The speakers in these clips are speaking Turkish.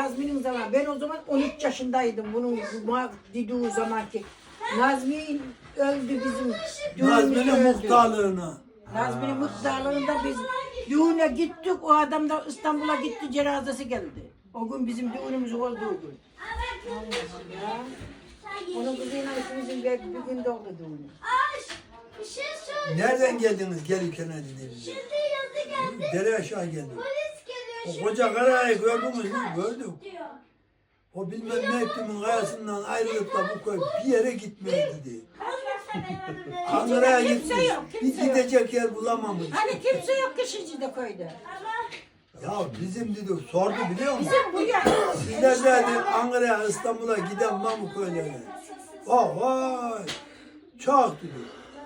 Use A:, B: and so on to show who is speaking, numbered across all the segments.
A: Nazmi'nin zamanı. Ben o zaman 13 yaşındaydım bunun dediği zamanki. Nazmi öldü bizim.
B: Nazmi'nin muhtarlığına.
A: Nazmi'nin muhtarlığında biz düğüne gittik. O adam da İstanbul'a gitti, cenazesi geldi. O gün bizim düğünümüz olduğu gün. Ya. Onun kızıyla ikimizin bir gün doğdu düğünü.
C: Bir şey söyle.
B: Nereden geldiniz gelirken dediniz?
C: Şimdi yazı geldi.
B: Dere aşağı geldik.
C: Polis geliyor.
B: O koca karayı gördünüz mü? Gördük.
C: Diyor.
B: O bilmem ne ettiğimin kayasından ayrılıp da bu köy bir yere gitmeye dedi. Ankara'ya
A: Kimse
B: gitmiş.
A: yok,
B: Bir
A: kimse yok.
B: gidecek yer bulamamış.
A: Hani kimse yok Kışıcı'da köyde.
B: Ya bizim dedi sordu biliyor musun?
A: Bizim bu ya.
B: Sizler dedi Ankara'ya İstanbul'a giden bu köylerine. Oh vay. Çok dedi.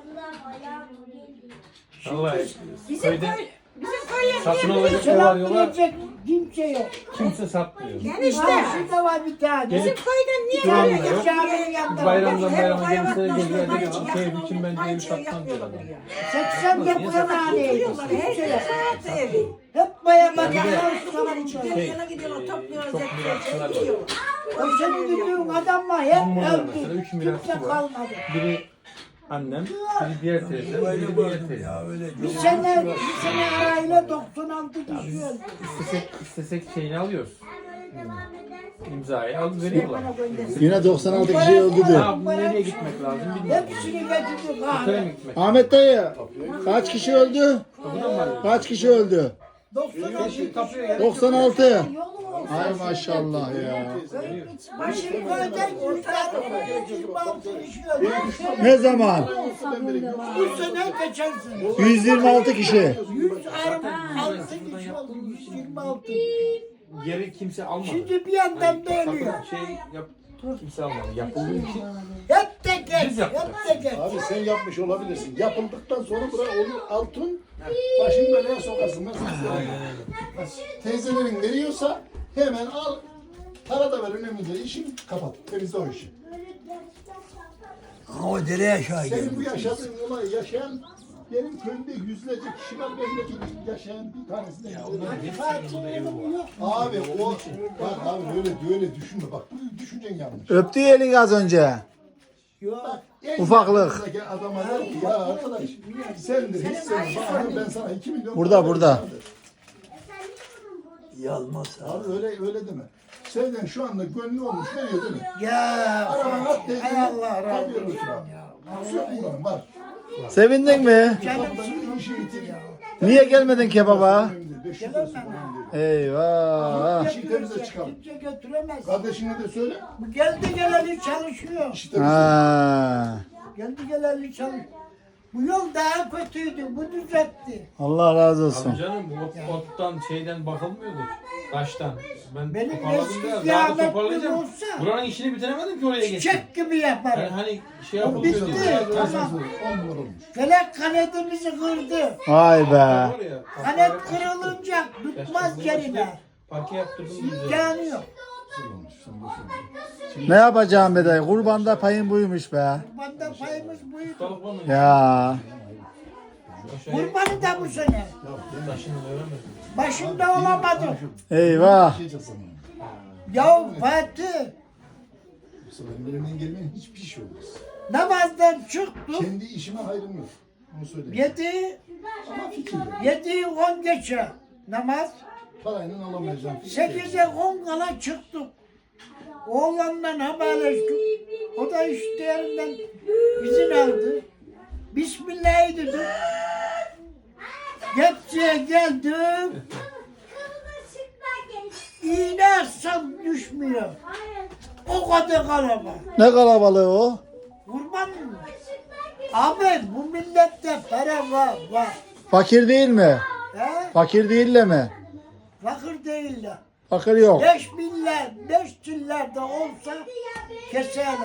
D: Vallahi
A: Bizim
D: köyde
A: köy, bizim köye
D: satın
A: niye
D: alacak
A: biliyor
D: ne var
A: musun?
D: yola
E: Kimse yok.
D: kimse satmıyor.
A: Enişte.
E: Şurada var bir tane.
A: Bizim köyden niye
D: Duran
A: böyle
D: da yok.
E: Caminin yanında.
D: Bayramdan
A: Hep
D: bayrama
A: hayvanat
D: gelirse
A: başlarına
D: geliyor
A: hiç
D: diyor. Köy
A: yakın
D: için bence evi
A: olmayınca
D: satmam diyor
A: yapmıyorlar
D: adam.
A: ya.
E: 80 yapılan haneydi.
A: Tutuyorlar, her yer hayatı evi.
E: Hep bayağı
A: Yani
E: bakıyorlar.
A: yana gidiyorlar, topluyorlar,
D: çok
A: zekliyorlar,
D: mirasçılar var.
A: gidiyorlar.
E: O senin dediğin adam var.
D: Bizim burada
E: Hep
D: mesela
E: öldü.
D: 3 mirasçı
E: Kimse
D: var.
E: kalmadı.
D: Biri annem, biri diğer teyzem, biri
B: Böyle
D: diğer
B: gördüm
D: teyzem.
B: ya öyle.
E: Bir sene arayla 96 kişi öldü.
D: İstesek şeyini alıyoruz. İmzayı alıp veriyorlar.
F: Yine 96 kişi öldü diyor.
D: Ya bu nereye gitmek lazım bilmiyorum.
E: Hepsini getirdi.
D: Köye mi gitmek?
F: Ahmet dayı kaç kişi öldü?
D: Kapıdan mı arıyorsun?
F: Kaç kişi öldü?
E: 96
D: Şimdi kapıya gel.
F: 96. Ay maşallah ya.
E: Başım köyden 126 kişi öldü.
F: Ne zaman?
E: Bu sene geçen sene.
F: 126 kişi.
E: 126 kişi oldu. 126.
D: Yeri kimse almadı.
E: Şimdi bir yandan da ölüyor.
D: Şey yap, kimse almadı. Yapıldığı için
E: Hep teker,
D: Biz yaptık.
E: hep teker.
G: Abi sen yapmış olabilirsin. Yapıldıktan sonra buraya olur altın başını belaya sokarsın. Teyzelerin veriyorsa hemen al. Para da ver önemli değil. İşin kapat. Temizle o işi.
B: O dere aşağı
G: Senin bu
B: gelmiş.
G: yaşadığın olayı yaşayan benim köyümde yüzlerce kişi var. Bendeki yaşayan bir tanesi de. Abi o bak abi öyle düşünme. Bak bu düşüncen yanlış.
F: Öptü elini az önce.
G: Bak, en
F: Ufaklık.
G: yakınındaki adama der ki ya arkadaş sendir hiç sen bana ben sana 2 milyon
F: Burada,
G: para
F: burada.
G: vereceğim der.
B: Yalmaz abi.
G: Abi öyle deme. Senden şu anda gönlü olmuş veriyor değil mi?
E: Ya
G: Arabana at dedi.
E: hay Allah razı
G: Kapıya götür abi. Yok bunların var.
F: Sevindin mi?
G: Kapıdan işi bitir.
F: Niye gelmedin kebaba?
G: 500 lirası önemli.
F: Eyvah.
G: İşi temize çıkalım.
E: kimse götüremez.
G: Kardeşine de söyle.
E: Bu geldi geleli çalışıyor.
G: İşi temize.
F: Ha.
E: Geldi geleli çalışıyor. Bu yol daha kötüydü. Bu düzeltti.
F: Allah razı olsun.
D: Abi canım bu ottan şeyden bakılmıyordu. Taştan. Ben
E: Benim
D: toparladım
E: eski
D: da daha da
E: kıyametli
D: toparlayacağım.
E: olsa-
D: Buranın işini bitiremedim ki oraya geçtim.
E: Çiçek gibi
D: Yani
E: yaparım.
D: hani şey
E: O
D: yapılıyor
E: bitti.
D: diye.
E: Tamam.
G: 10 numara olmuş.
E: Felek kanetimizi kırdı.
F: Vay be.
E: Kanet kırılınca tutmaz yerine.
D: Parke yaptırdım güzel.
E: İmkanı yok.
G: Güzel olmuş. Sen boşuna.
F: Ne yapacağım be dayı? Kurbanda payın buymuş be.
E: Kurbanda payımız buydu.
D: Ustalık var mı?
F: Ya.
D: Aşağıya
E: Kurbanı da bu sene.
D: taşını öğrenmedim.
E: Başında olamadım.
F: Eyvah.
G: Şey sana.
E: Ya Fatih
G: Bu sefer elimden gelmeyen hiçbir şey olmaz.
E: namazdan çıktım.
G: Kendi işime hayrım yok. Onu söyleyeyim.
E: 7
G: Ama fikirle.
E: 7'yi 10 geçe namaz.
G: Parayla alamayacağım.
E: 8'e 10 kala çıktık. Oğlandan haberleştik. O da işlerinden izin aldı. Bismillah dedim. Gepçe'ye geldim. İğne atsam düşmüyor. O kadar kalabalık.
F: Ne kalabalığı o?
E: Kurban mı? Abi bu millette para var.
F: Fakir değil mi?
E: He?
F: Fakir değiller mi?
E: Fakir değiller.
F: Fakir yok.
E: 5 milyar, 5 milyar da olsa keserler.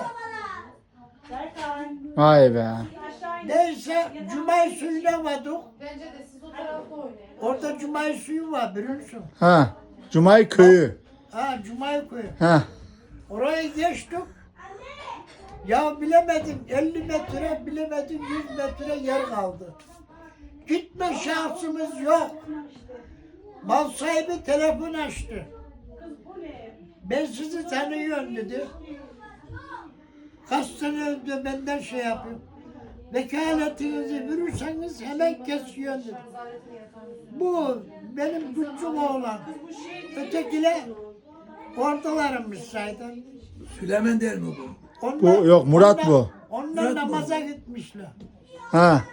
F: Vay be.
E: Neyse Cumay suyuna vardık.
H: Bence de siz o tarafta oynayın.
E: Orada Cumay suyu var biliyor musun?
F: Ha. Cumay köyü.
E: Ha Cumay kuyu.
F: Ha.
E: Oraya geçtik. Ya bilemedim 50 metre bilemedim 100 metre yer kaldı. Gitme şansımız yok. Mal sahibi telefon açtı. Ben sizi tanıyorum dedi. Kaç sene önce benden şey yapıyorum. Vekaletinizi verirseniz hemen kesiyor dedi. Bu benim küçük oğlan. Ötekiler oradalarmış zaten.
B: Süleyman değil mi bu?
F: Bu yok, Murat bu.
E: Onlar
B: Murat
E: namaza gitmişler.
F: Ha.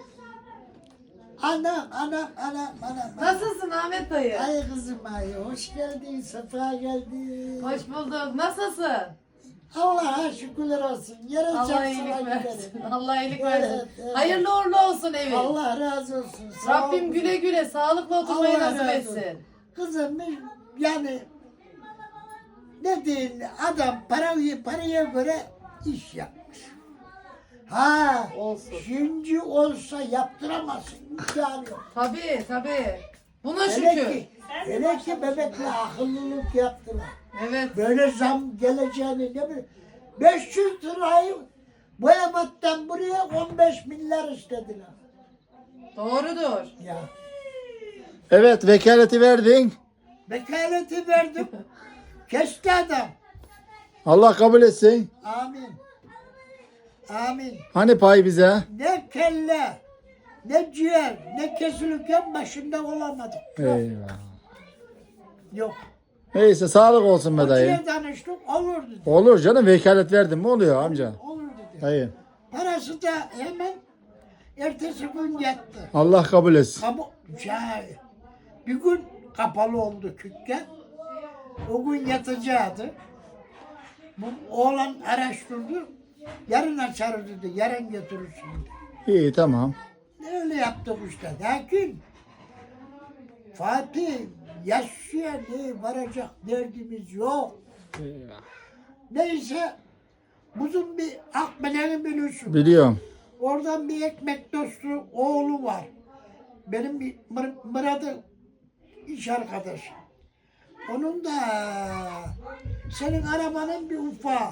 E: Anam.
H: Nasılsın Ahmet dayı?
E: Ay kızım ay, hoş geldin, sefa geldin.
H: Hoş bulduk. Nasılsın?
E: Allah'a şükürler olsun. Yere
H: Allah
E: çarpsana
H: iyilik versin.
E: giderim.
H: Allah iyilik
E: Evet,
H: versin.
E: evet.
H: Hayırlı uğurlu olsun evin.
E: Allah razı olsun. Sağ
H: Rabbim
E: ol.
H: güle güle sağlıkla oturmayı
E: Allah
H: nasip
E: razı
H: etsin.
E: olsun. Kızım yani ne diyeyim, adam paraya göre iş yapmış. Ha,
H: Olsun.
E: şimdi olsa yaptıramazsın. İmkanı yok.
H: Tabii. Buna
E: Hele
H: şükür.
E: ki bebekle akıllılık yaptılar.
H: Evet.
E: Böyle zam geleceğini ne bileyim. 500 lirayı Boyabat'tan buraya 15 milyar istediler.
H: Doğrudur.
E: Ya.
F: Evet, vekaleti verdin.
E: Vekaleti verdim. Kesti adam.
F: Allah kabul etsin.
E: Amin. Amin.
F: Hani pay bize?
E: Ne kelle, ne ciğer, ne kesilirken başında olamadım.
F: Eyvah.
E: Yok.
F: Neyse, sağlık olsun be dayı.
E: Hocaya danıştık, olur dedi.
F: Olur canım, vekalet verdim mi oluyor amca?
E: Olur dedi.
F: Dayı.
E: Parası da hemen ertesi gün yattı.
F: Allah kabul etsin.
E: Ama bir gün kapalı oldu dükkan. O gün yatacaktı. Bu oğlan araştırdı. Yarın açarız dedi. Yarın götürürsün dedi.
F: İyi, tamam.
E: Öyle yaptık işte. Lakin Fatih yaşlıya ne varacak derdimiz yok. Neyse bizim bir Akbelen'i biliyorsun.
F: Biliyorum.
E: Oradan bir ekmek dostu oğlu var. Benim bir Murat'ın iş arkadaşı. Onun da senin arabanın bir ufağı.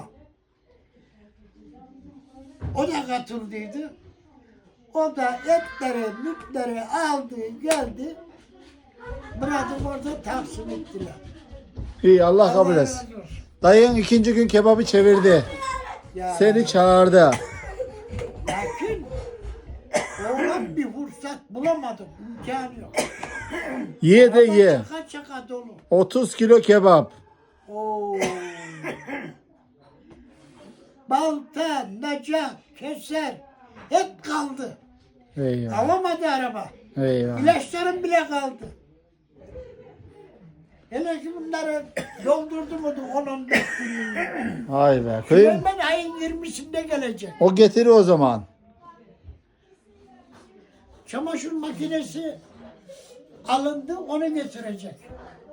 E: O da katıldıydı. O da etleri, mütleri aldı, geldi. Murat'ı orada tahsil ettiler.
F: İyi, Allah kabul
E: Allah
F: etsin.
E: razı olsun.
F: Dayın ikinci gün kebabı çevirdi.
E: Ya,
F: Seni çağırdı.
E: lakin oğlan bir fırsat bulamadım. İmkanı yok.
F: Ye de ye.
E: Çaka çaka dolu.
F: 30 kilo kebap.
E: Oo. Balta, nacak, keser hep kaldı.
F: Eyvah.
E: Alamadı araba.
F: Eyvah.
E: İlaçlarım bile kaldı. Hele ki bunları doldurdu mu 10-15 gün.
F: Vay be. Köyüm.
E: Hemen ayın 20'sinde gelecek.
F: O getiri o zaman.
E: Çamaşır makinesi alındı, onu getirecek.